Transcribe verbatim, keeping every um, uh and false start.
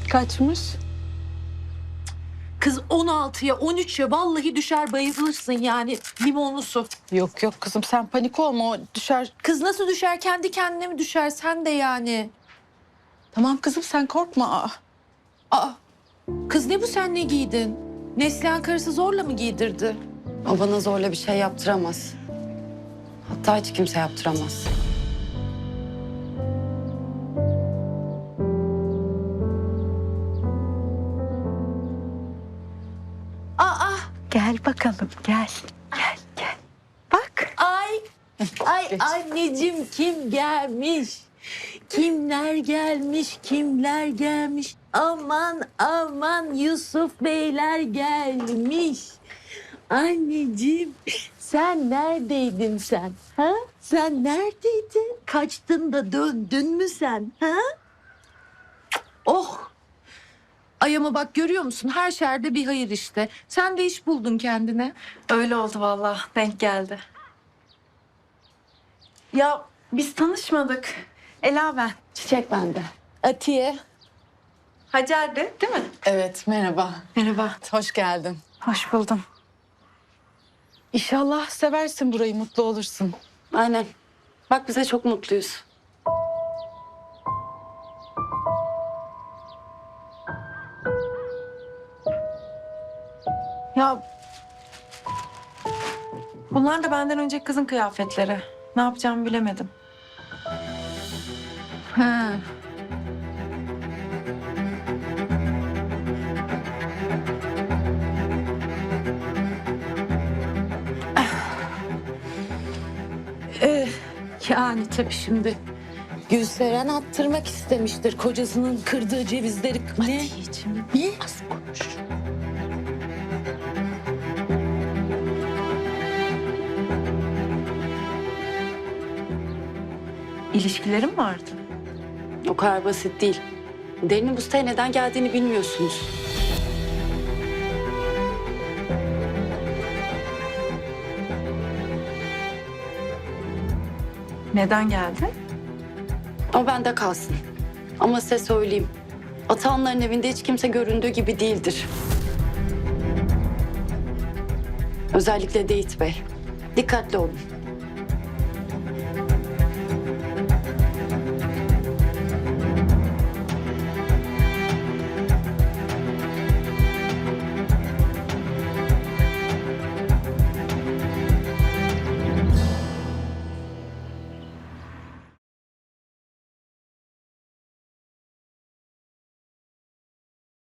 Kaçmış? Kız on altıya on üçe vallahi düşer bayılırsın yani limonlu su. Yok yok kızım sen panik olma, o düşer. Kız nasıl düşer, kendi kendine mi düşer sen de yani? Tamam kızım sen korkma. Aa, Aa, kız ne bu, sen ne giydin? Neslihan karısı zorla mı giydirdi? O bana zorla bir şey yaptıramaz. Hatta hiç kimse yaptıramaz. Aa, Gel bakalım gel. Gel gel. Bak. ay, ay Geç. anneciğim kim gelmiş? Kimler gelmiş, kimler gelmiş? Aman aman Yusuf Beyler gelmiş. Anneciğim sen neredeydin sen? Ha? Sen neredeydin? Kaçtın da döndün mü sen? Ha? Oh! Ay ama bak görüyor musun? Her şerde bir hayır işte. Sen de iş buldun kendine. Öyle oldu vallahi, denk geldi. Ya biz tanışmadık. Ela ben. Çiçek bende. Atiye. Hacer de değil mi? Evet merhaba. Merhaba. Hoş geldin. Hoş buldum. İnşallah seversin burayı, mutlu olursun. Aynen. Bak bize çok mutluyuz. Ya bunlar da benden önceki kızın kıyafetleri. Ne yapacağımı bilemedim. Ha. Ee, yani tabii şimdi Gülseren attırmak istemiştir kocasının kırdığı cevizleri. Ne? Ne? Az konuş. İlişkilerim vardı. O kadar basit değil. Derin'in bu siteye neden geldiğini bilmiyorsunuz. Neden geldi? O bende kalsın. Ama size söyleyeyim. Atanların evinde hiç kimse göründüğü gibi değildir. Özellikle Deyit Bey. Dikkatli olun.